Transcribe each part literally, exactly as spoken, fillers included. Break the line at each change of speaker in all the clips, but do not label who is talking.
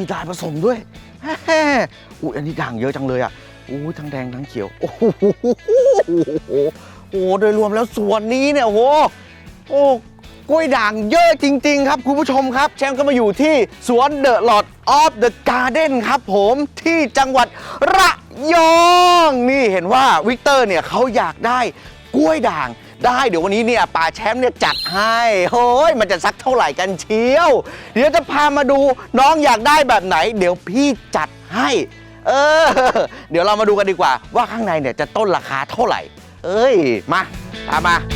มีลายผสมด้วยอุ้ยอันนี้ด่างเยอะจังเลยอ่ะอุ้ยทั้งแดงทั้งเขียวโอ้โหโอ้โดยรวมแล้วสวนนี้เนี่ยโอ้โหโอ้กล้วยด่างเยอะจริงๆครับคุณผู้ชมครับแชมป์ก็มาอยู่ที่สวน The Lord of the Garden ครับผมที่จังหวัดระยองนี่เห็นว่าวิกเตอร์เนี่ยเขาอยากได้กล้วยด่างได้เดี๋ยววันนี้เนี่ยป่าแชมป์เนี่ยจัดให้เฮ้ยมันจะสักเท่าไหร่กันเชียวเดี๋ยวจะพามาดูน้องอยากได้แบบไหนเดี๋ยวพี่จัดให้เออเดี๋ยวเรามาดูกันดีกว่าว่าข้างในเนี่ยจะต้นราคาเท่าไหร่เอ้ยมาตามมา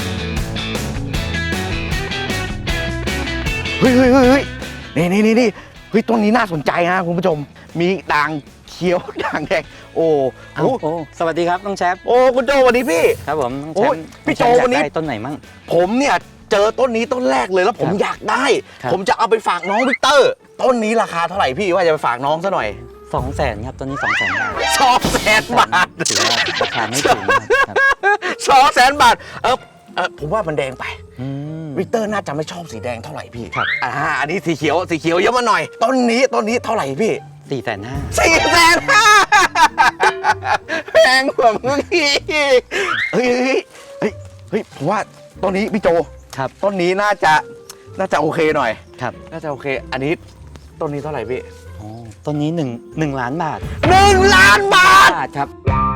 เฮ้ยเฮ้ยเฮ้ยนี่นี่นี่นี่เฮ้ยต้นนี้น่าสนใจนะคุณผู้ชมมีด่างเขียวด่างแดงโอ้โห
โอ้สวัสดีครับน้องแชมป์
โอ้คุณโจสวัสดีพี่
ครับผมน้องแชมป์
พี่โจวันนี้
ต้นไหนมั่ง
ผมเนี่ยเจอต้นนี้ต้นแรกเลยแล้วผมอยากได้ผมจะเอาไปฝากน้องวิกเตอร์ต้นนี้ราคาเท่าไหร่พี่ว่าจะไปฝากน้องซะหน่อย
สองแสนครับต้นนี้สองแสนบาท
สองแสนบาท
ถือว่าราคาไม่ถึงครับ
สองแสนบาทเออเออผมว่ามันแดงไปวิกเตอร์น่าจะไม่ชอบสีแดงเท่าไหร่พี่
ครับ
อ่าอันนี้สีเขียวสีเขียวเยอะมาหน่อยต้นนี้ต้นนี้เท่าไหร่พี่
สี่แสนห้า
สี่แสนห้าแพงกว่าเมื่อกี้เฮ้ยเฮ้ยเฮ้ยเฮ้ยผมว่าต้นนี้พี่โจ
ครับ
ต้นนี้น่าจะน่าจะโอเคหน่อย
ครับ
น่าจะโอเคอันนี้ต้นนี้เท่าไหร่พี่
อ๋อต้นนี้หนึ่งหนึ่งล้านบาท
หนึ่งล้านบาท
ครับ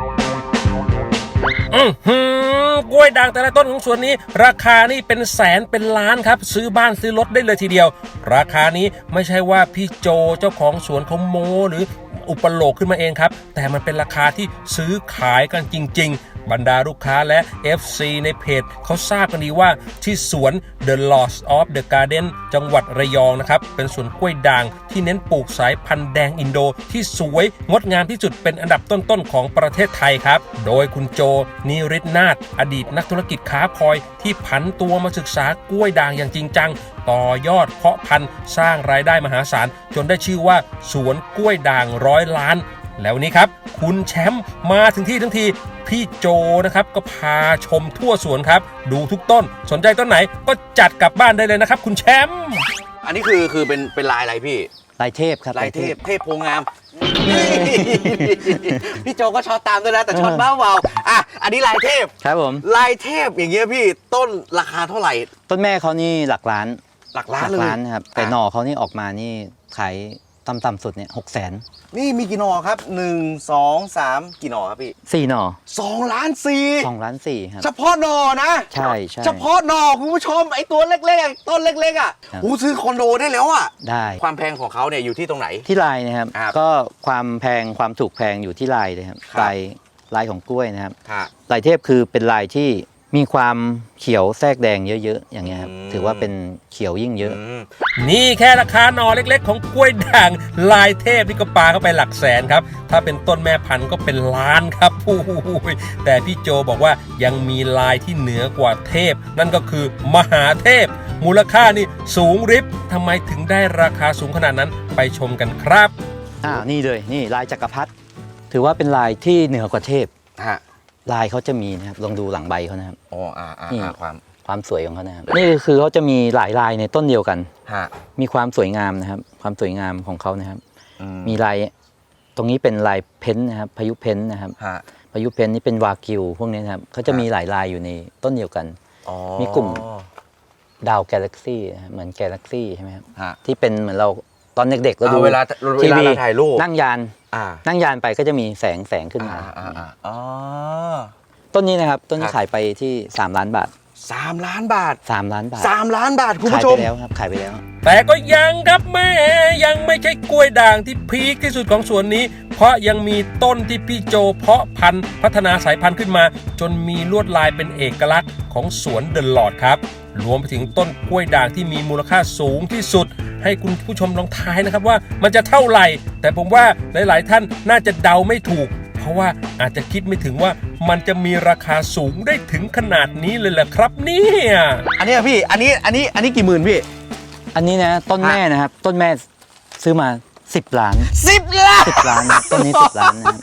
อือหือกล้วยด่างแต่ละต้นของสวนนี้ราคานี่เป็นแสนเป็นล้านครับซื้อบ้านซื้อรถได้เลยทีเดียวราคานี้ไม่ใช่ว่าพี่โจเจ้าของสวนเขาโม้หรืออุปโลกขึ้นมาเองครับแต่มันเป็นราคาที่ซื้อขายกันจริงๆบรรดาลูกค้าและ เอฟ ซี ในเพจเขาทราบกันดีว่าที่สวน The Lord of the Garden จังหวัดระยองนะครับเป็นสวนกล้วยด่างที่เน้นปลูกสายพันธุ์แดงอินโดที่สวยงดงามที่สุดเป็นอันดับต้นๆของประเทศไทยครับโดยคุณโจนิริศนาถอดีตนักธุรกิจค้าพลอยที่ผันตัวมาศึกษากล้วยด่างอย่างจริงจังต่อยอดเพาะพันธุ์สร้างรายได้มหาศาลจนได้ชื่อว่าสวนกล้วยด่างร้อยล้านแล้ววันนี้ครับคุณแชมป์มาถึงที่ทั้งทีพี่โจนะครับก็พาชมทั่วสวนครับดูทุกต้นสนใจต้นไหนก็จัดกลับบ้านได้เลยนะครับคุณแชมป์
อันนี้คือคือเป็นเป็นลายอะไรพี่
ลายเทพครับ
ลายเทพเทพโพงามพี่โจก็ช็อตตามด้วยนะแต่ช็อตเบาเบาอ่ะอันนี้ลายเทพ
ครับผม
ลายเทพอย่างเงี้ยพี่ต้นราคาเท่าไหร่
ต้นแม่เขานี่หลักล้าน
หลักล้านเลยหลักล้าน
ครับแต่หน่อเขานี่ออกมานี่ขายต่ำๆสุดเนี่ยหกแสน
นี่มีกี่หน่อครับหนึ่งสองสามกี่หน่อครับพี่
สี่หน่อ
สองล้านสี่
สองล้านสี่ครับ
เฉพาะหน่อนะ
ใช่ใช่
เฉพาะหน่อคุณผู้ชมไอ้ตัวเล็กๆต้นเล็กๆอ่ะหูซื้อคอนโดได้แล้วอ่ะ
ได้
ความแพงของเขาเนี่ยอยู่ที่ตรงไหน
ที่ลายนะครับก็ความแพงความถูกแพงอยู่ที่ลายเลยครับลายลายของกล้วยนะครับลายเทพคือเป็นลายที่มีความเขียวแทรกแดงเยอะๆอย่างเงี้ยครับถือว่าเป็นเขียวยิ่งเยอะ
นี่แค่ราคาหน่อเล็กๆของกล้วยด่างลายเทพนี่ก็ปาเข้าไปหลักแสนครับถ้าเป็นต้นแม่พันธุ์ก็เป็นล้านครับโอ้โหแต่พี่โจบอกว่ายังมีลายที่เหนือกว่าเทพนั่นก็คือมหาเทพมูลค่านี่สูงริบทำไมถึงได้ราคาสูงขนาดนั้นไปชมกันครับ
อ่านี่เลยนี่ลายจักรพรรดิถือว่าเป็นลายที่เหนือกว่าเทพ
ฮะ
ลายเขาจะมีนะครับลองดูหลังใบเขานะครับ
อ๋ออ่าอ่าความ
ความสวยของเขานะครับนี่คือเขาจะมีหลายลายในต้นเดียวกันมีความสวยงามนะครับความสวยงามของเขานะครับมีลายตรงนี้เป็นลายเพ้นนะครับพายุเพ้นนะครับพายุเพ้นนี่เป็นวากิวพวกนี้นะครับเขาจะมีหลายลายอยู่ในต้นเดียวกันมีกลุ่มดาวกาแล็กซี่เหมือนกาแล็กซี่ใช่ไหมครับที่เป็นเหมือนเราตอนเด็กๆเราดู
เวลาทีวีถ่ายรูป
นั่งยานนั่งยานไปก็จะมีแสงแสงขึ้นมาต้นนี้นะครับต้นนี้ขายไปที่สามล้านบาท
สามล้านบาท
สามล้านบาท
สามล้านบาทคุณผู้ชม
ขายไปแล้วครับขายไปแล้ว
แต่ก็ยังครับแม่ยังไม่ใช่กล้วยด่างที่พีคที่สุดของสวนนี้เพราะยังมีต้นที่พี่โจเพาะพันธุ์พัฒนาสายพันธุ์ขึ้นมาจนมีลวดลายเป็นเอกลักษณ์ของสวนเดอะลอร์ดครับรวมไปถึงต้นกล้วยด่างที่มีมูลค่าสูงที่สุดให้คุณผู้ชมลองทายนะครับว่ามันจะเท่าไหร่แต่ผมว่าหลายๆท่านน่าจะเดาไม่ถูกเพราะว่าอาจจะคิดไม่ถึงว่ามันจะมีราคาสูงได้ถึงขนาดนี้เลยแหละครับเนี่ย
อันนี้พี่อันนี้อันนี้อันนี้กี่หมื่นพี่
อันนี้นะต้นแม่นะครับต้นแม่ซื้อมาสิบล้าน
สิบล้าน
สิบล้านต้นนี้สิบล้านนะครับ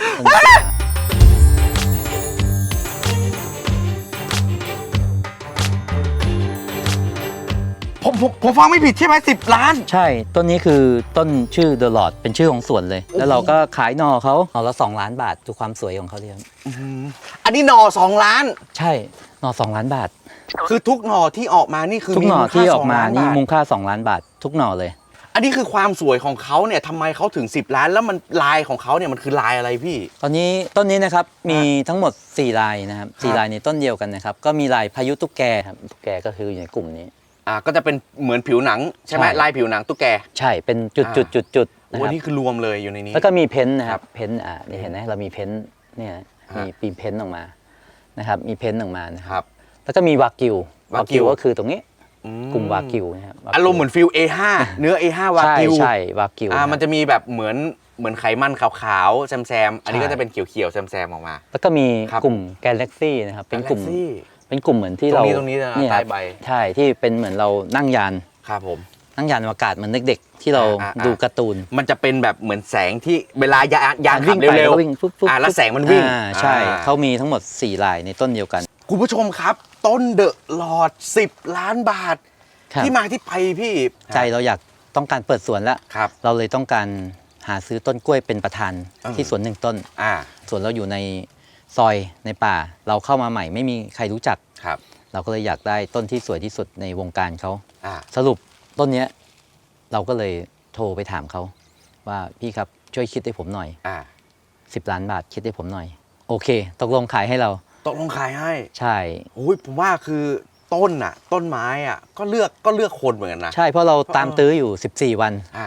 ผมผมผมฟังไม่ผิดใช่ไหมสิบล้าน
ใช่ต้นนี้คือต้นชื่อ The Lord เป็นชื่อของสวนเลย แล้วเราก็ขายหน่อเขาหน่อละสองล้านบาทดูความสวยของเขาดิครับ
อันนี้หน่อสองล้าน
ใช่หน่อสองล้านบาท
คือทุกหน่อที่ออกมานี่คือ
ทุก
มี
หน่อ
มูลค่า
ที่อ
ส
อ
อก ง
มา
ล้าน
นี่
บาท
มูลค่าสองล้านบาท ทุกหน่อเลย
อันนี้คือความสวยของเขาเนี่ยทำไมเขาถึงสิบล้านแล้วมันลายของเขาเนี่ยมันคือลายอะไรพี่
ตอนนี้ต้นนี้นะครับมีทั้งหมดสี่ลายนะครับสี่ลายในต้นเดียวกันนะครับก็มีลายพายุตุ๊กแกครับตุ๊กแกก็คืออยู่ในกลุ่มนี้
อ่าก็จะเป็นเหมือนผิวหนังใช่ไหม
ใช่
ลายผิวหนังตุ๊กแก
ใช่เป็นจุดจุดจุดจุดนะ
วั
คน รับ
นี้คือรวมเลยอยู่ในนี้
แล้วก็มีเพ้นท์นะค
ครั
รับบ เพ้นท์อ่านี่เห็นไหมเรามีเพ้นท์เนี่ย
ฮะ
มีปีเพ้นท์ออกมานะครับมีเพ้นท์ออกมานะค
ครับ รับ
แล้วก็มีวากิว
วากิว
ก็คือตรงนี้
อื
กลุ่มวากิวนะครับวกิว
อารมณ์เหมือนฟิล เอ ห้า เนื้อ เอ ห้า วา
ใช่
กิว
ใช่วากิว
อ่า
ครับ
มันจะมีแบบเหมือนเหมือนไขมันขาวๆแซมๆอันนี้
ใช่
ก็จะเป็นเขียวๆแซมๆออกมา
แล้วก็มี
ครับ
กลุ่มแกลเล็กซี่นะครับเป็นกลุ่ม
Galaxy
เป็นกลุ่มเหมือนที่
ตรง
เรา
นี้ตรงนี้นะ
เนี่ย
ใต้ใบ
ใช่ที่เป็นเหมือนเรานั่งยาน
ครับผม
นั่งยานอวกาศเหมือนเด็กๆที่เรา
อ่าอ่า
ดูการ์ตูน
มันจะเป็นแบบเหมือนแสงที่เวลายานยานขั
วิ่
บ
งไป
เร็ว
แล้ววิ่งปุ๊บปุ๊บ
อ่าแล้วแสงมันวิ่ง
อ่าใช่
อ่า
เขามีทั้งหมดสี่ลายในต้นเดียวกัน
คุณผู้ชมครับ ต้นเดอะลอดสิบล้านบาท
ครับ
ที่มาที่ไปพี่
ใจเราอยากต้องการเปิดสวนแล้ว
ครับ
เราเลยต้องการหาซื้อต้นกล้วยเป็นประธาน
อืม
ที่สวนหนึ่งต้น
อ่า
สวนเราอยู่ในซอยในป่า เราเข้ามาใหม่ไม่มีใครรู้จัก
ครับ
เราก็เลยอยากได้ต้นที่สวยที่สุดในวงการเขา
อ่า
สรุปต้นเนี้ยเราก็เลยโทรไปถามเขาว่าพี่ครับช่วยคิดให้ผมหน่อย
อ่า
สิบล้านบาทคิดให้ผมหน่อย โอเค ตกลงขายให้เรา
ตกลงขายให้
ใช่
โอ้ยผมว่าคือต้นอ่ะ ต้นไม้อ่ะ ก็เลือกก็เลือกคนเหมือนกันนะ
ใช่เพราะเราตามตื้ออยู่สิบสี่วัน
อ่า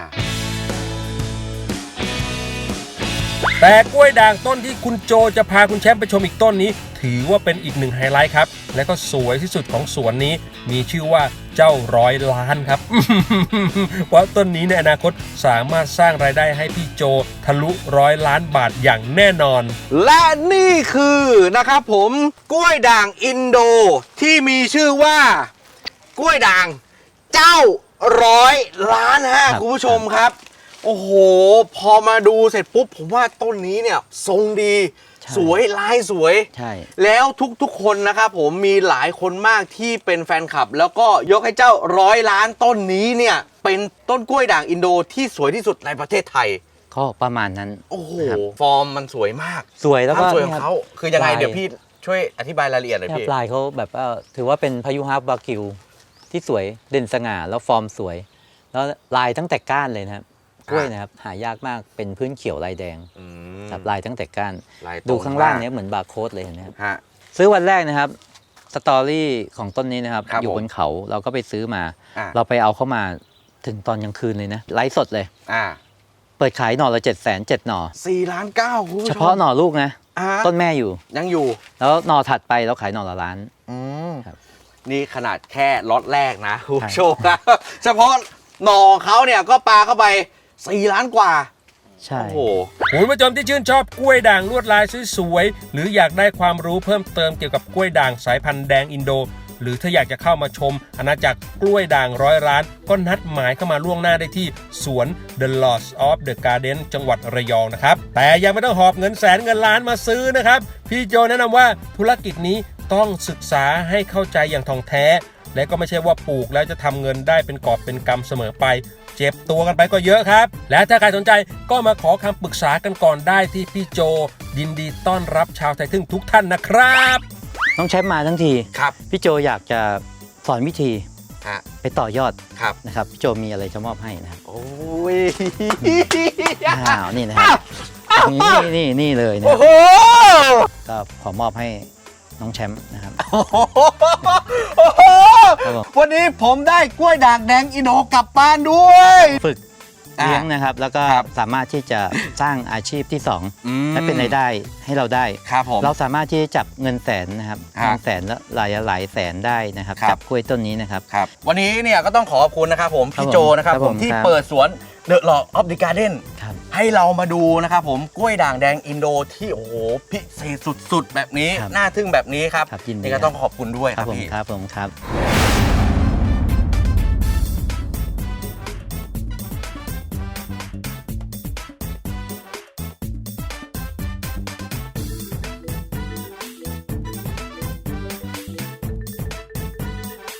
แต่กล้วยด่างต้นที่คุณโจจะพาคุณแชมป์ไปชมอีกต้นนี้ ถือว่าเป็นอีกหนึ่งไฮไลท์ครับ และก็สวยที่สุดของสวนนี้ มีชื่อว่าเจ้าร้อยล้านครับ เพราะต้นนี้ในอนาคตสามารถสร้างรายได้ให้พี่โจทะลุร้อยล้านบาทอย่างแน่นอน
และนี่คือนะครับผมกล้วยด่างอินโดที่มีชื่อว่ากล้วยด่างเจ้าร้อยล้านฮะ
ครับ
คุณผู้ชมครับ โอ้โห พอมาดูเสร็จปุ๊บ ผมว่าต้นนี้เนี่ยทรงดี
ใช่
สวยลายสวย
ใช่
แล้วทุกๆคนนะครับผมมีหลายคนมากที่เป็นแฟนคลับ แล้วก็ยกให้เจ้าร้อยล้านต้นนี้เนี่ยเป็นต้นกล้วยด่างอินโดที่สวยที่สุดในประเทศไทย
ก็ประมาณนั้น
โอ้โห
ครับ
ฟอร์มมันสวยมาก
สวยแล้ว
ค
ก็
วามสวยของ
นี่ย
เขาคือยังไง
ลาย
เดี๋ยวพี่ช่วยอธิบายรายละเอียดหน่อย
เนี่ย
พี่
ปลายเขาแบบว่าถือว่าเป็นพายุฮาร์บากิวที่สวยเด่นสง่าแล้วฟอร์มสวย แล้วลายตั้งแต่ก้านเลยนะครับกล้วยนะครับหายากมากเป็นพื้นเขียวลายแดง
อืม
ครับลายตั้งแต่ก้าน
ลายตรง
ดูข้างล่าง
มาก
เนี้ยเหมือนบาร์โค้ดเลยเห็นไหมครับ
ฮะ
ซื้อวันแรกนะครับสตอรี่ของต้นนี้นะครับ
ครับ
อยู่บนเขาเราก็ไปซื้อมา
อ่า
เราไปเอาเข้ามาถึงตอนกลางคืนเลยนะไลฟ์สดเลย
อ่า
เปิดขายหน่อละเจ็ดแสนเจ็ดหน่อ
สี่ล้านเก้าคุณผู้ชม
เฉพาะหน่อลูกนะ
อ่า
ต้นแม่อยู่
ยังอยู่
แล้วหน่อถัดไปเราขายหน่อละล้าน
อืม
ครับ
นี่ขนาดแค่ล็อตแรกนะคุณผู้ชมนะเฉพาะหน่อเขาเนี่ยก็ปาเข้าไปสี่ล้านกว่า
ใช่
โอ้โห
คุณผู้ชมที่ชื่นชอบกล้วยด่างลวดลายสวยๆหรืออยากได้ความรู้เพิ่มเติมเกี่ยวกับกล้วยด่างสายพันธุ์แดงอินโด หรือถ้าอยากจะเข้ามาชมอาณาจักรกล้วยด่างร้อยล้าน ก็นัดหมายเข้ามาล่วงหน้าได้ที่สวน The Lords of the Garden จังหวัดระยองนะครับ แต่ยังไม่ต้องหอบเงินแสนเงินล้านมาซื้อนะครับ พี่โจแนะนำว่าธุรกิจนี้ต้องศึกษาให้เข้าใจอย่างท่องแท้ และก็ไม่ใช่ว่าปลูกแล้วจะทำเงินได้เป็นกอบเป็นกำเสมอไป เจ็บตัวกันไปก็เยอะครับ และถ้าใครสนใจก็มาขอคำปรึกษากันก่อนได้ที่พี่โจยินดีต้อนรับชาวไทยทึ่งทุกท่านนะครับ
น้องแชมป์มาทั้งที
ครับ
พี่โจอยากจะสอนวิธี
ฮะ
ไปต่อยอด
ครับ
นะครับพี่โจมีอะไรจะมอบให้นะครับ
โอ้ย
อ้าวนี่นะครับนี่นี่นี่เลยนะค
โอ้
รับ
โห
ก็ขอมอบให้น้องแชมป์นะครับ
โอ้โห
ครับผม
วันนี้ผมได้กล้วยด่างแดงอินโดกลับบ้านด้วย
ฝึก
อ่า
เลี้ยงนะครับ แล้วก็
ครับ
สามารถที่จะสร้างอาชีพที่สอง
อืม
และเป็นรายได้ให้เราได้
ครับผม
เราสามารถที่จะจับเงินแสนนะครับ
ฮะ
เงินแสนและหลายหลายแสนได้นะครับ
ครับ
จับกล้วยต้นนี้นะครับ
ครับวันนี้เนี่ยก็ต้องขอขอบคุณนะครับผม
ครับ
พี่โจนะครับ
ครับ
ผ
ผม ม
ที่
ครับ
เปิดสวน The Lord of the Garden
ครับ
ให้เรามาดูนะครับผมกล้วยด่างแดงอินโดที่โอ้โหพิเศษสุดๆ แบบนี้
ครับ
น่าทึ่งแบบนี้ครับ
ครับยินดี
นี่ก็ต้องขอบคุณด้วย
ค
ค
รั
รั
บบ ผม
พี่
ครับผมครับ